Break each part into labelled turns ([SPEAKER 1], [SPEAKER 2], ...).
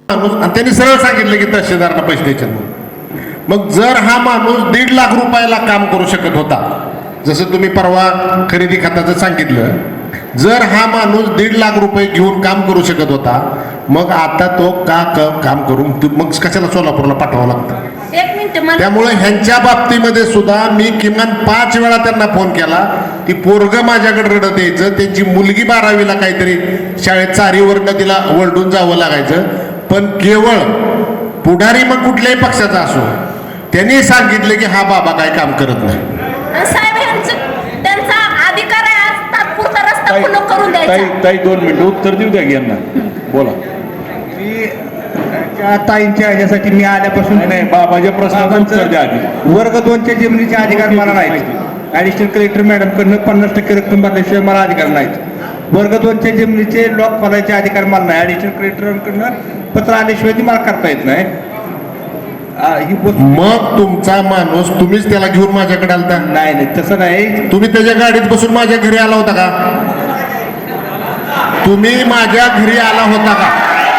[SPEAKER 1] माणूस आणि त्यांनी सरळ सांगितलं की तहसीलदारांना पैसे द्यायचे म्हणून. मग जर हा माणूस 1.5 लाख रुपयाला काम करू शकत होता, जसं तुम्ही परवा खरेदी खात्याचं सांगितलं, जर हा माणूस 1.5 लाख रुपये घेऊन काम करू शकत होता, मग आता तो काम करून मग कशाला सोलापूरला पाठवावं लागतं?
[SPEAKER 2] एक मिनिट
[SPEAKER 1] त्यामुळे ह्यांच्या बाबतीमध्ये सुद्धा मी किमान 5 वेळा त्यांना फोन केला की पोरगं माझ्याकडे रडत यायचं, त्यांची मुलगी 12वीला काहीतरी शाळेत चारीवरनं तिला वळडून जावं लागायचं, पण केवळ पुढारी मग कुठल्याही पक्षाचा असो त्यांनी सांगितलं की हा बाबा काय काम करत नाही.
[SPEAKER 2] साहेब त्यांचा अधिकार आहे आज तात्पुरता रस्ता खुला करून द्यायचा.
[SPEAKER 3] ताई 2 मिनिटं उत्तर देऊ द्या यांना. बोला.
[SPEAKER 4] मी त्या ताईंच्या ह्याच्यासाठी मी आल्यापासून
[SPEAKER 3] नाही बाबाच्या प्रश्नाचं उत्तर द्या आधी.
[SPEAKER 4] वर्ग 2च्या जमिनीचे अधिकार मला नाहीत. ऍडिशनल कलेक्टर मॅडमकडनं 50% रक्कम भरल्याशिवाय मला अधिकार नाहीत. वर्ग 2च्या जमिनीचे लॉक खोलायचे अधिकार मला नाही. ऍडिशनल कलेक्टरांकडनं पत्र आल्याशिवाय ती मला करता येत नाही. ही गोष्ट
[SPEAKER 1] मग तुमचा माणूस तुम्हीच त्याला घेऊन माझ्याकडे आलता?
[SPEAKER 4] नाही तसं नाही.
[SPEAKER 1] तुम्ही त्याच्या गाडीत बसून माझ्या घरी आला होता का? तुम्ही माझ्या घरी आला होता का?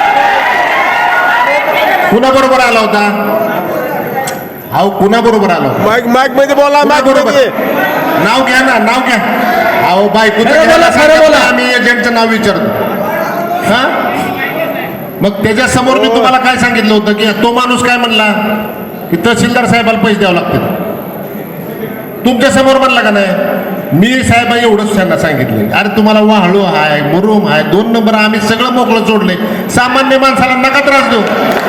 [SPEAKER 1] कुणाबरोबर आला होता? अहो कुणाबरोबर आला होता?
[SPEAKER 5] माईक मध्ये बोला. माईक
[SPEAKER 1] बरोबर
[SPEAKER 5] मध्ये
[SPEAKER 1] नाव घ्या ना, नाव घ्या. अहो बायको आम्ही एजंटचं नाव विचारतो. हा मग त्याच्या समोर मी तुम्हाला काय सांगितलं होतं की तो माणूस काय म्हणला की तहसीलदार साहेबाला पैसे द्यावे लागतील. तुमच्या समोर म्हणला का नाही? मी साहेब एवढंच त्यांना सांगितलं, अरे तुम्हाला वाहळू आहे, मुरुम आहे, 2 नंबर आम्ही सगळं मोकळं सोडले, सामान्य माणसाला नका त्रास देऊ.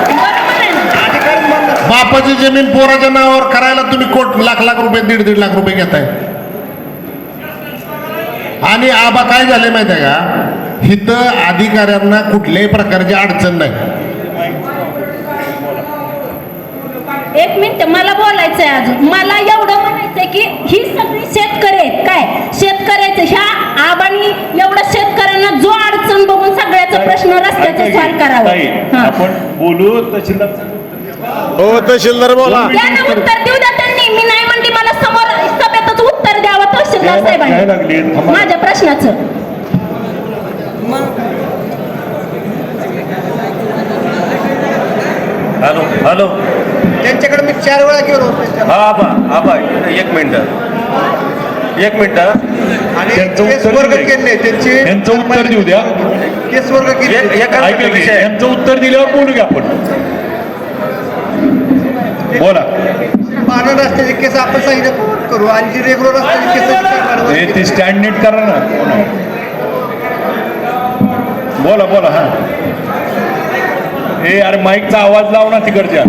[SPEAKER 1] बापाची जमीन पोराच्या नावावर करायला तुम्ही लाख रुपये 1.5 लाख रुपये घेताय. आणि आबा काय झाले माहिती आहे का, इथं अधिकाऱ्यांना कुठल्याही प्रकारची अडचण नाही.
[SPEAKER 2] एक मिनिट मला बोलायचंय अजून. मला एवढं म्हणायचंय की ही सगळी शेतकरी आहेत काय, शेतकऱ्याचं ह्या आबांनी एवढं शेतकऱ्यांना जो अडचण बघून सगळ्याचा प्रश्न रस्त्याचा सॉल्व करावा.
[SPEAKER 3] आपण बोलू तहसीलदार.
[SPEAKER 5] हो तहसीलदार बोला.
[SPEAKER 2] त्यांना उत्तर देऊ द्या त्यांनी. मी नाही म्हणते, मला समोर सभेतच उत्तर द्यावं तहसीलदार साहेबांनी माझ्या प्रश्नाचं.
[SPEAKER 6] हॅलो
[SPEAKER 4] त्यांच्याकडे मी 4 वेळा गेलो.
[SPEAKER 6] हा आबा 1 मिनिट.
[SPEAKER 4] आणि
[SPEAKER 3] त्यांचं
[SPEAKER 4] केस
[SPEAKER 3] उत्तर
[SPEAKER 4] वर्ग
[SPEAKER 3] देऊ द्या.
[SPEAKER 4] केले त्यांचे
[SPEAKER 3] यांचं उत्तर देऊ द्या.
[SPEAKER 4] केस वर्ग केले.
[SPEAKER 6] एका
[SPEAKER 3] ऐका की,
[SPEAKER 6] विषय
[SPEAKER 3] यांचं उत्तर दिल्यावर बोलू घ्या आपण. बोला.
[SPEAKER 4] पानं रस्त्याचे केस आपण सांगितलं करू आणि जी रेग्युलर रस्त्याचे
[SPEAKER 3] हे
[SPEAKER 4] केस
[SPEAKER 3] ती स्टँड नीट करा ना. बोला हा. हे अरे माईकचा आवाज लाव ना तिकडच्या.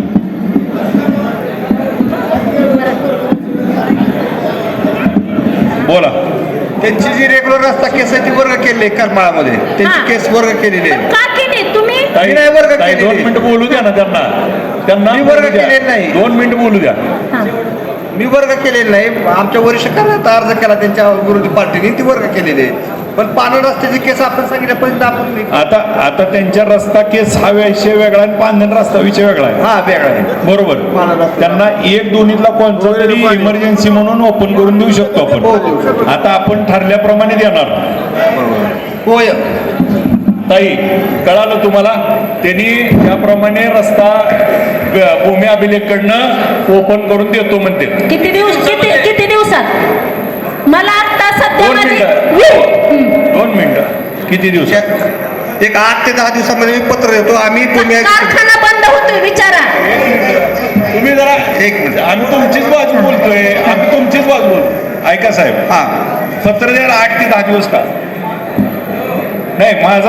[SPEAKER 3] बोला.
[SPEAKER 4] त्यांची जी रेग्युलर रस्ता केसाची वर्ग केले करमाळामध्ये त्यांची केस वर्ग केलेली आहे.
[SPEAKER 2] का केली तुम्ही?
[SPEAKER 3] ताई,
[SPEAKER 4] नाही वर्ग
[SPEAKER 3] ताई,
[SPEAKER 4] केलेले.
[SPEAKER 3] 2 मिनिटं बोलू द्या ना त्यांना
[SPEAKER 4] मी वर्ग
[SPEAKER 3] बोलू द्या.
[SPEAKER 4] केलेले नाही.
[SPEAKER 3] 2 मिनिटं बोलू द्या.
[SPEAKER 4] मी वर्ग केलेला नाही. आमच्या वरिष्ठांना अर्ज केला त्यांच्या विरोधी पार्टीने, ती वर्ग केलेली आहे. पण पानं रस्त्याचे केस आपण सांगितल्यापर्यंत आपण
[SPEAKER 3] आता त्यांच्या रस्ता केस हा विषय वेगळा आणि पांढरा रस्ता विषय वेगळा आहे.
[SPEAKER 4] हा वेगळा आहे.
[SPEAKER 3] बरोबर. त्यांना 1-2 कोणता तरी इमर्जन्सी म्हणून ओपन करून देऊ शकतो आपण. आता आपण ठरल्याप्रमाणे देणार.
[SPEAKER 4] होय.
[SPEAKER 3] ताई कळालं तुम्हाला? त्यांनी त्याप्रमाणे रस्ता भूमी अभिलेखकडनं ओपन करून देतो म्हणते.
[SPEAKER 2] किती दिवसात? मला आता सध्या
[SPEAKER 3] 2 मिनिटं. किती दिवसात?
[SPEAKER 4] एक 8 ते 10 दिवसामध्ये मी पत्र देतो. आम्ही
[SPEAKER 2] कारखाना बंद होतोय विचारा.
[SPEAKER 3] तुम्ही जरा 1 मिनिट. आम्ही तुमचीच बाजू बोलतो. ऐका साहेब,
[SPEAKER 4] हा
[SPEAKER 3] पत्र द्यायला 8 ते 10 दिवस का? नाही माझा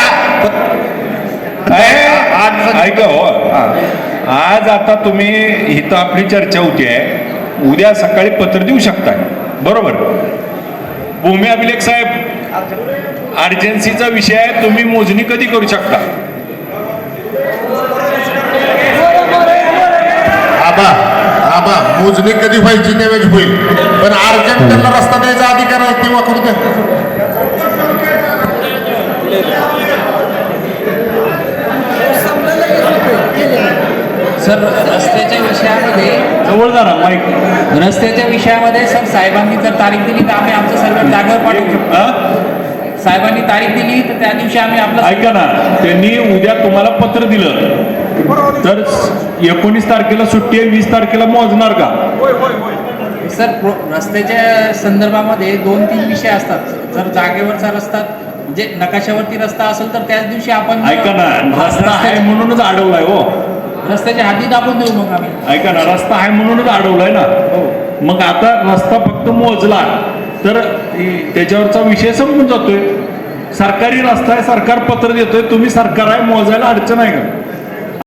[SPEAKER 3] ऐका हो. आज आता तुम्ही इथं आपली चर्चा होती आहे, उद्या सकाळी पत्र देऊ शकता. बरोबर. भूमी अभिलेख साहेब अर्जन्सीचा विषय आहे. तुम्ही मोजणी कधी करू शकता?
[SPEAKER 1] आबा मोजणी कधी व्हायची त्यावेळेस होईल, पण अर्जंट त्यांना रस्ता द्यायचा अधिकार आहे तेव्हा करू द्या.
[SPEAKER 7] सर रस्त्याच्या विषयामध्ये
[SPEAKER 3] जवळ जा ना माईक.
[SPEAKER 7] रस्त्याच्या विषयामध्ये सर साहेबांनी जर तारीख दिली तर आम्ही आमचं सर्व जागेवर पाठवू शकतो. साहेबांनी तारीख दिली तर त्या दिवशी आम्ही आपलं
[SPEAKER 3] ऐका ना, त्यांनी उद्या तुम्हाला पत्र दिलं तर 19 तारखेला सुट्टी आहे, 20 तारखेला मोजणार का?
[SPEAKER 7] सर रस्त्याच्या संदर्भामध्ये 2-3 विषय असतात. जर जागेवरचा रस्ता म्हणजे नकाशावरती रस्ता असेल तर त्याच दिवशी आपण
[SPEAKER 3] ऐका ना, रस्ता आहे म्हणूनच अडवलाय हो.
[SPEAKER 7] रस्त्याच्या हाती दाबून देऊ मग आम्ही.
[SPEAKER 3] ऐका ना, रस्ता आहे म्हणूनच अडवलाय ना. मग आता रस्ता फक्त मोजला तर त्याच्यावरचा विषय संपून जातोय. सरकारी रस्ता आहे, सरकार पत्र देतोय, तुम्ही सरकार आहे, मोजायला अडचण आहे का?